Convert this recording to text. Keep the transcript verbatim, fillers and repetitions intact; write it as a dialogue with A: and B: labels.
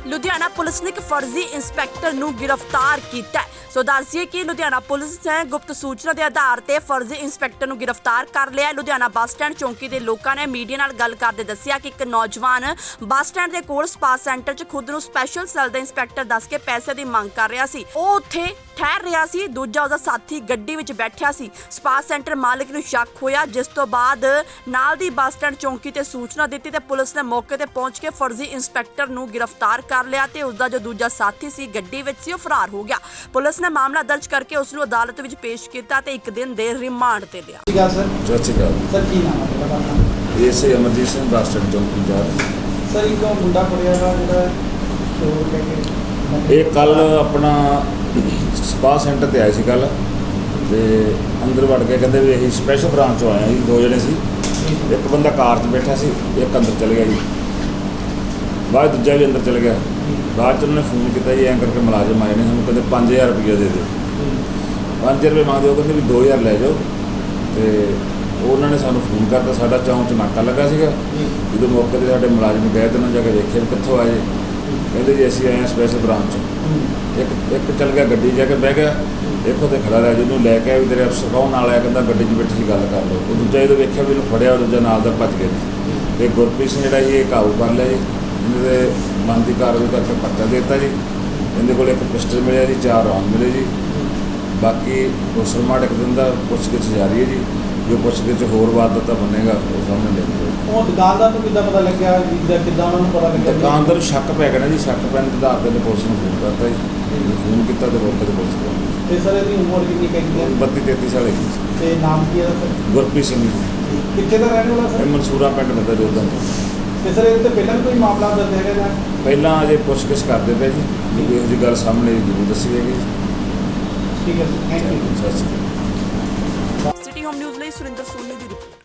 A: Ludhiana police ਨੇ ਇੱਕ ਫਰਜ਼ੀ ਇੰਸਪੈਕਟਰ ਨੂੰ ਗ੍ਰਿਫਤਾਰ ਕੀਤਾ ਹੈ। ਸੋ ਦੱਸਿਏ ਕਿ ਲੁਧਿਆਣਾ ਪੁਲਿਸ ਨੇ ਗੁਪਤ ਸੂਚਨਾ ਦੇ ਆਧਾਰ ਤੇ ਫਰਜ਼ੀ ਇੰਸਪੈਕਟਰ ਨੂੰ ਗ੍ਰਿਫਤਾਰ ਕਰ ਲਿਆ ਹੈ। ਲੁਧਿਆਣਾ ਬੱਸ ਸਟੈਂਡ ਚੌਂਕੀ ਦੇ ਲੋਕਾਂ ਨੇ ਮੀਡੀਆ ਨਾਲ ਗੱਲ ਕਰਦੇ ਦੱਸਿਆ ਕਿ ਇੱਕ ਨੌਜਵਾਨ ਬੱਸ ਸਟੈਂਡ ਦੇ ਕੋਲ ਸਪਾ ਸੈਂਟਰ 'ਚ ਖੁਦ ਨੂੰ ਸਪੈਸ਼ਲ ਸੈੱਲ ਦਾ ਇੰਸਪੈਕਟਰ ਦੱਸ ਕੇ ਪੈਸੇ ਦੀ ਮੰਗ ਕਰ ਰਿਹਾ ਸੀ। ਉਹ ਉੱਥੇ ਠਹਿਰ ਰਿਹਾ ਸੀ, ਦੂਜਾ ਉਹਦਾ ਸਾਥੀ ਗੱਡੀ ਵਿੱਚ ਬੈਠਿਆ ਸੀ। ਸਪਾ ਸੈਂਟਰ ਮਾਲਕ ਨੂੰ ਸ਼ੱਕ ਹੋਇਆ, ਜਿਸ ਤੋਂ ਬਾਅਦ ਨਾਲ ਦੀ ਬੱਸ ਸਟੈਂਡ ਚੌਂਕੀ ਤੇ ਸੂਚਨਾ ਦਿੱਤੀ ਤੇ ਪੁਲਿਸ ਨੇ ਮੌਕੇ ਤੇ ਪਹੁੰਚ ਕੇ ਫਰਜ਼ੀ ਇੰਸਪੈਕਟਰ ਨੂੰ ਗ੍ਰਿਫਤਾਰ ਕਰ ਲਿਆ ਤੇ ਉਸਦਾ ਜੋ ਦੂਜਾ ਸਾਥੀ ਸੀ ਗੱਡੀ ਵਿੱਚ ਸੀ ਉਹ ਫਰਾਰ ਹੋ ਗਿਆ। ਪੁਲਿਸ ਨੇ ਮਾਮਲਾ ਦਰਜ ਕਰਕੇ ਉਸ ਨੂੰ ਅਦਾਲਤ ਵਿੱਚ ਪੇਸ਼ ਕੀਤਾ ਤੇ ਇੱਕ ਦਿਨ ਦੇ ਰਿਮਾਂਡ ਤੇ ਲਿਆ।
B: ਸਤਿ ਸ਼੍ਰੀ ਅਕਾਲ ਸਰ।
C: ਸਤਿ ਸ਼੍ਰੀ ਅਕਾਲ
B: ਸਰ ਕੀ ਨਾਮ ਹੈ ਤੁਹਾਡਾ?
C: ਏਸੇ ਅਮਰਜੀਤ ਸਿੰਘ ਬੱਸ ਸਟੈਂਡ ਚੌਂਕੀ ਇੰਚਾਰਜ।
B: ਸਰ ਇੱਕ ਮੁੰਡਾ ਫੜਿਆ ਵਾ ਜਿਹੜਾ ਚੋਰ ਕਹਿ ਕੇ
C: ਇਹ ਕੱਲ ਆਪਣਾ ਸਪਾ ਸੈਂਟਰ ਤੇ ਆਏ ਸੀ ਕੱਲ ਤੇ ਅੰਦਰ ਵੜ ਕੇ ਕਹਿੰਦੇ ਵੀ ਅਸੀਂ ਸਪੈਸ਼ਲ ਬ੍ਰਾਂਚ ਤੋਂ ਆਏ ਹਾਂ ਜੀ। ਦੋ ਜਣੇ ਸੀ, ਇੱਕ ਬੰਦਾ ਕਾਰ 'ਚ ਬੈਠਾ ਸੀ, ਇੱਕ ਅੰਦਰ ਚਲ ਗਿਆ ਜੀ। ਬਾਅਦ ਦੂਜਾ ਵੀ ਅੰਦਰ ਚਲ ਗਿਆ। ਬਾਅਦ 'ਚ ਉਹਨਾਂ ਨੇ ਫੋਨ ਕੀਤਾ ਜੀ, ਐਂ ਕਰਕੇ ਮੁਲਾਜ਼ਮ ਆਏ ਨੇ, ਸਾਨੂੰ ਕਹਿੰਦੇ ਪੰਜ ਹਜ਼ਾਰ ਰੁਪਈਆ ਦੇ ਦਿਓ। ਪੰਜ ਹਜ਼ਾਰ ਰੁਪਏ ਮੰਗਦੇ, ਉਹ ਕਹਿੰਦੇ ਵੀ ਦੋ ਹਜ਼ਾਰ ਲੈ ਜਾਓ। ਤੇ ਉਹਨਾਂ ਨੇ ਸਾਨੂੰ ਫੋਨ ਕਰਤਾ, ਸਾਡਾ ਚੌਂਕ 'ਚ ਨਾਕਾ ਲੱਗਾ ਸੀਗਾ। ਜਦੋਂ ਮੌਕੇ 'ਤੇ ਸਾਡੇ ਮੁਲਾਜ਼ਮ ਗਏ ਤੇ ਉਹਨਾਂ ਜਾ ਕੇ ਵੇਖਿਆ ਵੀ ਕਿੱਥੋਂ ਆਏ। ਕਹਿੰਦੇ ਜੀ ਅਸੀਂ ਆਏ ਹਾਂ ਸਪੈਸ਼ਲ ਬ੍ਰਾਂਚ 'ਚੋਂ। ਇੱਕ ਇੱਕ ਚੱਲ ਗਿਆ ਗੱਡੀ ਜਾ ਕੇ ਬਹਿ ਗਿਆ, ਇੱਕ ਉੱਥੇ ਖੜਾ ਰਿਹਾ। ਜਿਹਨੂੰ ਲੈ ਕੇ ਵੀ ਤੇਰੇ ਅਫਸਰ ਕੌਣ ਨਾਲ ਆਇਆ, ਕਹਿੰਦਾ ਗੱਡੀ 'ਚ ਬੈਠੀ ਸੀ, ਗੱਲ ਕਰ ਲਓ। ਉਹ ਦੂਜਾ ਜਦੋਂ ਵੇਖਿਆ ਵੀ ਇਹਨੂੰ ਫੜਿਆ, ਦੂਜਾ ਨਾਲ ਦਾ ਭੱਜ ਗਿਆ ਜੀ। ਅਤੇ ਗੁਰਪ੍ਰੀਤ ਸਿੰਘ ਜਿਹੜਾ ਸੀ ਇਹ ਕਾਬੂ ਕਰ ਲਿਆ ਜੀ। ਇਹਦੇ ਮਨ ਦੀ ਕਾਰਵਾਈ ਕਰਕੇ ਪਰਚਾ ਦੇ ਦਿੱਤਾ ਜੀ। ਇਹਦੇ ਕੋਲ ਇੱਕ ਪਿਸਟਲ ਮਿਲਿਆ ਜੀ, ਚਾਰ ਰੌਂਦ ਮਿਲੇ ਜੀ। ਬਾਕੀ ਉਸ ਰਿਮਾਂਡ ਇੱਕ ਦਿਨ ਦਾ ਪੁੱਛਗਿੱਛ ਜਾਰੀ ਹੈ ਜੀ। ਜੋ ਪੁੱਛਗਿੱਛ ਹੋਰ ਵਾਰਦਾਤਾਂ ਬਣੇਗਾ ਉਹ ਸਾਹਮਣੇ ਲਿਆਂਦਾ।
B: ਉਹ ਦੁਕਾਨਦਾਰ ਨੂੰ ਕਿੱਦਾਂ ਪਤਾ ਲੱਗਿਆ ਵੀ ਜਾਂ ਕਿੱਦਾਂ ਉਹਨਾਂ ਨੂੰ ਪਤਾ ਲੱਗਿਆ?
C: ਦੁਕਾਨਦਾਰ ਨੂੰ ਸ਼ੱਕ ਪੈ ਗਿਆ ਨਾ ਜੀ। ਸ਼ੱਕ ਪੈਣ ਦੇ ਆਧਾਰ 'ਤੇ ਪੁਲਿਸ ਨੂੰ ਫੋਨ ਕਰਤਾ ਜੀ। ਫੋਨ ਕੀਤਾ ਤੇ ਮੌਕੇ 'ਤੇ ਪੁਲਿਸ ਕੋਲ
B: ਤੇ ਸਰ ਇਹਦੀ ਉਮਰ ਕਿੰਨੀ ਕਹਿੰਦੀ ਹੈ?
C: ਬੱਤੀ ਤੇਤੀ ਸਾਲ ਹੈਗੀ ਸੀ।
B: ਤੇ ਨਾਮ ਕੀ ਹੈ ਸਰ?
C: ਗੁਰਪ੍ਰੀਤ ਸਿੰਘ ਜੀ।
B: ਕਿੱਥੇ ਦਾ ਰਹਿਣ ਵਾਲਾ
C: ਇਹ
B: ਸਰ?
C: ਮਨਸੂਰਾ ਪਿੰਡ ਬੰਦਾ ਜੋਦਾਂ ਤੋਂ।
B: ਤੇ ਸਰ ਇਹਦੇ ਤੇ ਪਹਿਲਾਂ ਵੀ ਕੋਈ ਮਾਮਲਾ ਦਰਜ ਹੈਗਾ ਜਾਂ?
C: ਪਹਿਲਾਂ ਅਜੇ ਪੁੱਛਗਿੱਛ ਕਰਦੇ ਪਏ ਜੀ। ਜੇ ਕੋਈ ਇਹੋ ਜਿਹੀ ਗੱਲ ਸਾਹਮਣੇ ਜ਼ਰੂਰ ਦੱਸੀ ਜਾਏਗੀ।
B: ਠੀਕ ਹੈ ਸਰ, ਥੈਂਕ ਯੂ।
C: ਸਤਿ ਸ਼੍ਰੀ ਅਕਾਲ।
A: ਸਿਟੀ ਹੋਮ ਨਿਊਜ਼ ਲਈ ਸੁਰਿੰਦਰ ਸੋਨੀ ਦੀ ਰਿਪੋਰਟ।